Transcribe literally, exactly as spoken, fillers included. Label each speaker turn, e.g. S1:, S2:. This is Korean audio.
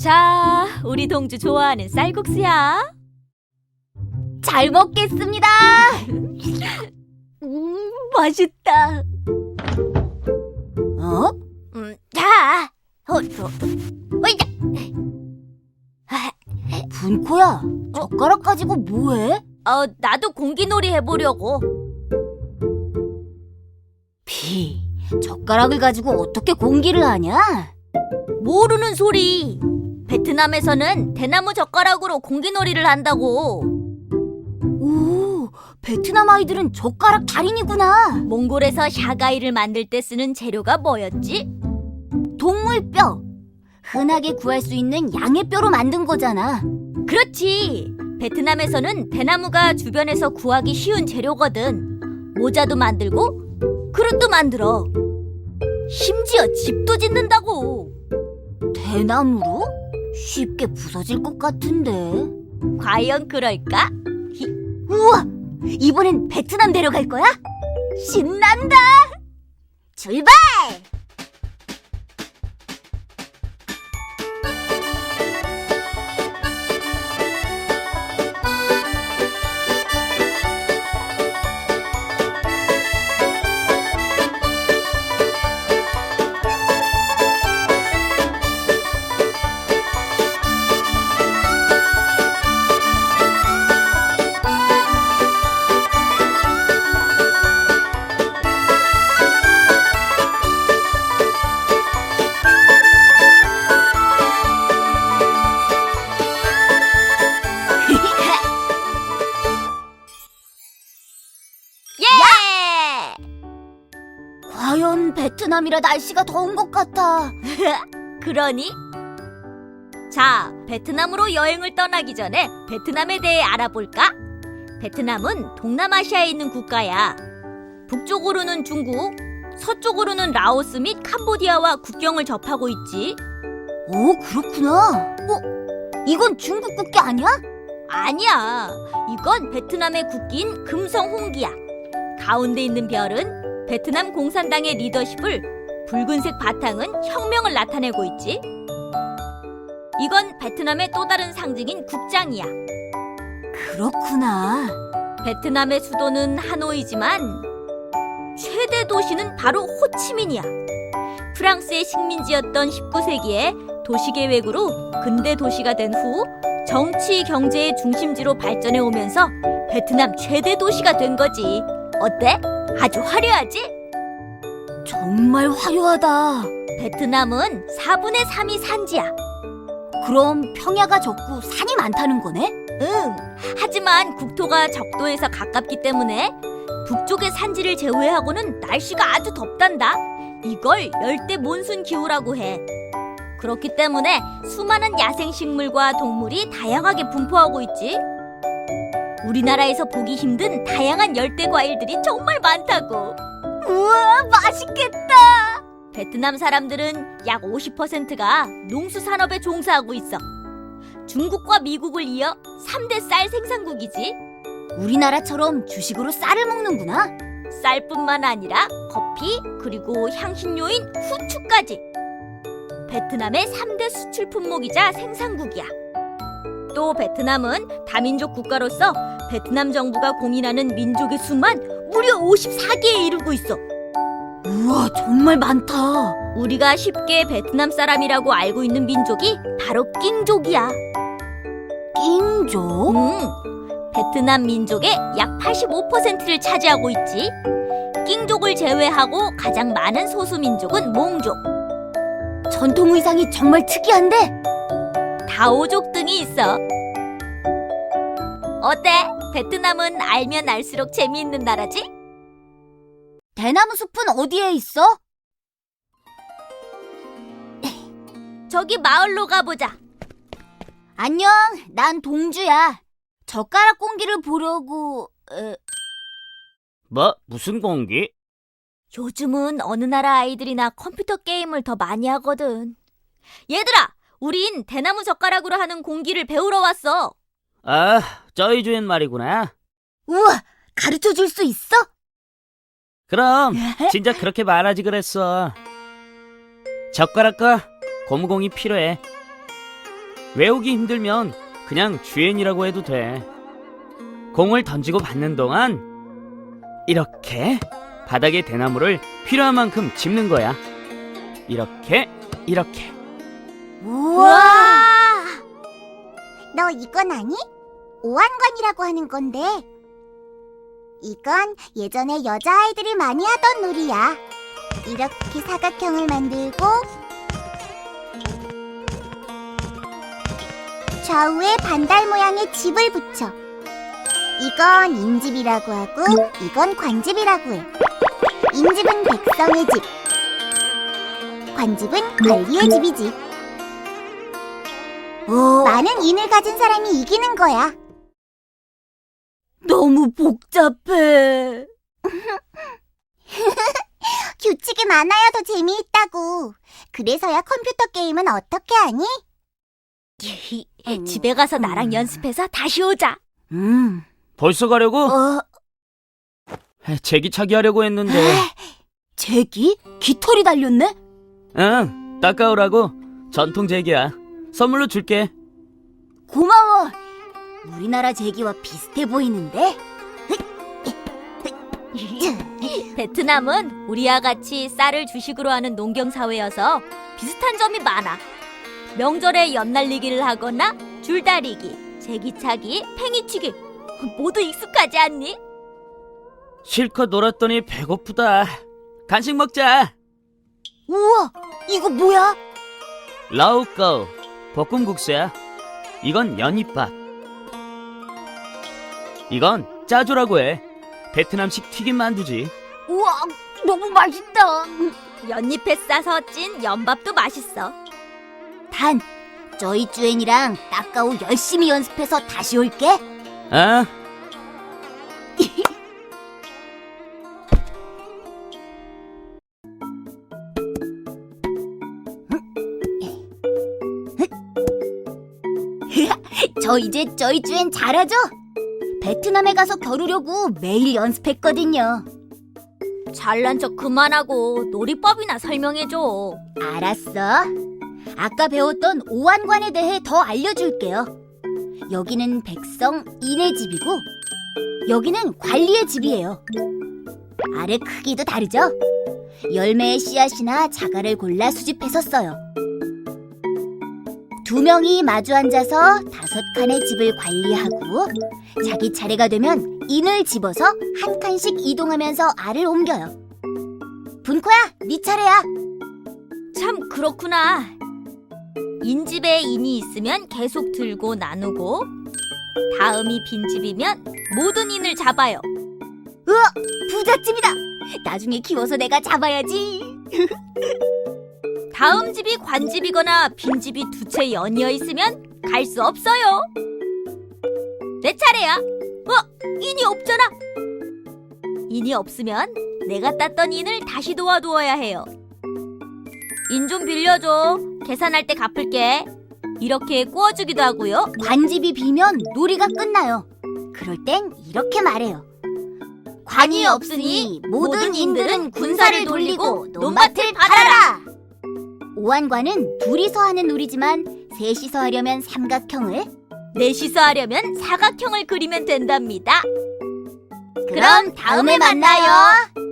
S1: 자, 우리 동주 좋아하는 쌀국수야.
S2: 잘 먹겠습니다. 음, 맛있다. 어? 음, 자, 어, 어, 어이자. 분코야, 젓가락 가지고 뭐해?
S1: 어, 나도 공기놀이 해보려고.
S2: 비, 젓가락을 가지고 어떻게 공기를 하냐?
S1: 모르는 소리. 베트남에서는 대나무 젓가락으로 공기놀이를 한다고.
S2: 오, 베트남 아이들은 젓가락 달인이구나.
S1: 몽골에서 샤가이를 만들 때 쓰는 재료가 뭐였지?
S2: 동물뼈. 흔하게 구할 수 있는 양의 뼈로 만든 거잖아.
S1: 그렇지. 베트남에서는 대나무가 주변에서 구하기 쉬운 재료거든. 모자도 만들고 그릇도 만들어. 심지어 집도 짓는다고.
S2: 대나무로? 쉽게 부서질 것 같은데.
S1: 과연 그럴까?
S2: 우와! 이번엔 베트남 데려갈 거야? 신난다! 출발!
S1: 예!
S2: 과연 베트남이라 날씨가 더운 것 같아.
S1: 그러니? 자, 베트남으로 여행을 떠나기 전에 베트남에 대해 알아볼까? 베트남은 동남아시아에 있는 국가야. 북쪽으로는 중국, 서쪽으로는 라오스 및 캄보디아와 국경을 접하고 있지.
S2: 오, 그렇구나. 어? 이건 중국 국기 아니야?
S1: 아니야. 이건 베트남의 국기인 금성 홍기야. 가운데 있는 별은 베트남 공산당의 리더십을, 붉은색 바탕은 혁명을 나타내고 있지. 이건 베트남의 또 다른 상징인 국장이야.
S2: 그렇구나.
S1: 베트남의 수도는 하노이지만 최대 도시는 바로 호치민이야. 프랑스의 식민지였던 십구 세기에 도시계획으로 근대 도시가 된 후 정치, 경제의 중심지로 발전해 오면서 베트남 최대 도시가 된 거지. 어때? 아주 화려하지?
S2: 정말 화려하다.
S1: 베트남은 사분의 삼이 산지야.
S2: 그럼 평야가 적고 산이 많다는 거네?
S1: 응. 하지만 국토가 적도에서 가깝기 때문에 북쪽의 산지를 제외하고는 날씨가 아주 덥단다. 이걸 열대 몬순 기후라고 해. 그렇기 때문에 수많은 야생식물과 동물이 다양하게 분포하고 있지. 우리나라에서 보기 힘든 다양한 열대 과일들이 정말 많다고.
S2: 우와, 맛있겠다.
S1: 베트남 사람들은 약 오십 퍼센트가 농수산업에 종사하고 있어. 중국과 미국을 이어 삼 대 쌀 생산국이지.
S2: 우리나라처럼 주식으로 쌀을 먹는구나.
S1: 쌀뿐만 아니라 커피, 그리고 향신료인 후추까지. 베트남의 삼 대 수출 품목이자 생산국이야. 또 베트남은 다민족 국가로서 베트남 정부가 공인하는 민족의 수만 무려 오십사 개에 이르고 있어.
S2: 우와, 정말 많다.
S1: 우리가 쉽게 베트남 사람이라고 알고 있는 민족이 바로 낑족이야.
S2: 낑족?
S1: 응, 베트남 민족의 약 팔십오 퍼센트를 차지하고 있지. 낑족을 제외하고 가장 많은 소수민족은 몽족,
S2: 전통 의상이 정말 특이한데?
S1: 다오족 등이 있어. 어때? 베트남은 알면 알수록 재미있는 나라지?
S2: 대나무 숲은 어디에 있어?
S1: 저기 마을로 가보자.
S2: 안녕, 난 동주야. 젓가락 공기를 보려고... 에...
S3: 뭐? 무슨 공기?
S1: 요즘은 어느 나라 아이들이나 컴퓨터 게임을 더 많이 하거든. 얘들아, 우린 대나무 젓가락으로 하는 공기를 배우러 왔어.
S3: 아, 저희 주인 말이구나.
S2: 우와, 가르쳐 줄 수 있어?
S3: 그럼 진짜 그렇게 말하지 그랬어. 젓가락과 고무공이 필요해. 외우기 힘들면 그냥 주엔이라고 해도 돼. 공을 던지고 받는 동안 이렇게 바닥에 대나무를 필요한 만큼 짚는 거야. 이렇게, 이렇게.
S2: 우와!
S4: 너 이건 아니? 오한관이라고 하는 건데. 이건 예전에 여자아이들이 많이 하던 놀이야. 이렇게 사각형을 만들고 좌우에 반달 모양의 집을 붙여. 이건 인집이라고 하고 이건 관집이라고 해. 인집은 백성의 집, 관집은 관리의 집이지.
S2: 어,
S4: 많은 인을 가진 사람이 이기는 거야.
S2: 너무 복잡해.
S4: 규칙이 많아야 더 재미있다고. 그래서야 컴퓨터 게임은 어떻게 하니?
S1: 집에 가서 나랑 연습해서 다시 오자.
S2: 음.
S3: 벌써 가려고?
S2: 어,
S3: 제기차기 하려고 했는데.
S2: 제기? 깃털이 달렸네?
S3: 응, 닦아오라고. 전통 제기야. 선물로 줄게.
S2: 고마워. 우리나라 제기와 비슷해 보이는데?
S1: 베트남은 우리와 같이 쌀을 주식으로 하는 농경사회여서 비슷한 점이 많아. 명절에 연날리기를 하거나 줄다리기, 제기차기, 팽이치기 모두 익숙하지 않니?
S3: 실컷 놀았더니 배고프다. 간식 먹자.
S2: 우와, 이거 뭐야?
S3: 라오꺼우, 볶음국수야. 이건 연잎밥. 이건 짜조라고 해. 베트남식 튀김 만두지.
S2: 우와, 너무 맛있다.
S1: 연잎에 싸서 찐 연밥도 맛있어.
S2: 단, 저희 쭈엔이랑 따까오 열심히 연습해서 다시 올게.
S3: 아,
S2: 저 이제 저희 쭈엔 잘하죠? 베트남에 가서 겨루려고 매일 연습했거든요.
S1: 잘난 척 그만하고 놀이법이나 설명해줘.
S2: 알았어. 아까 배웠던 오한관에 대해 더 알려줄게요. 여기는 백성 인의 집이고 여기는 관리의 집이에요. 알의 크기도 다르죠? 열매의 씨앗이나 자갈을 골라 수집해서 써요. 두 명이 마주 앉아서 다섯 칸의 집을 관리하고 자기 차례가 되면 인을 집어서 한 칸씩 이동하면서 알을 옮겨요. 분코야, 네 차례야.
S1: 참 그렇구나. 인집에 인이 있으면 계속 들고 나누고 다음이 빈집이면 모든 인을 잡아요.
S2: 우와, 부잣집이다. 나중에 키워서 내가 잡아야지.
S1: 다음 집이 관집이거나 빈집이 두 채 연이어 있으면 갈 수 없어요. 내 차례야. 어? 인이 없잖아. 인이 없으면 내가 땄던 인을 다시 도와두어야 해요. 인 좀 빌려줘. 계산할 때 갚을게. 이렇게 구워주기도 하고요.
S2: 관집이 비면 놀이가 끝나요. 그럴 땐 이렇게 말해요. 관이 없으니 모든 인들은 군사를 돌리고 논밭을 팔아라. 오한관은 둘이서 하는 놀이지만 셋이서 하려면 삼각형을,
S1: 넷이서 하려면 사각형을 그리면 된답니다.
S2: 그럼 다음에 만나요.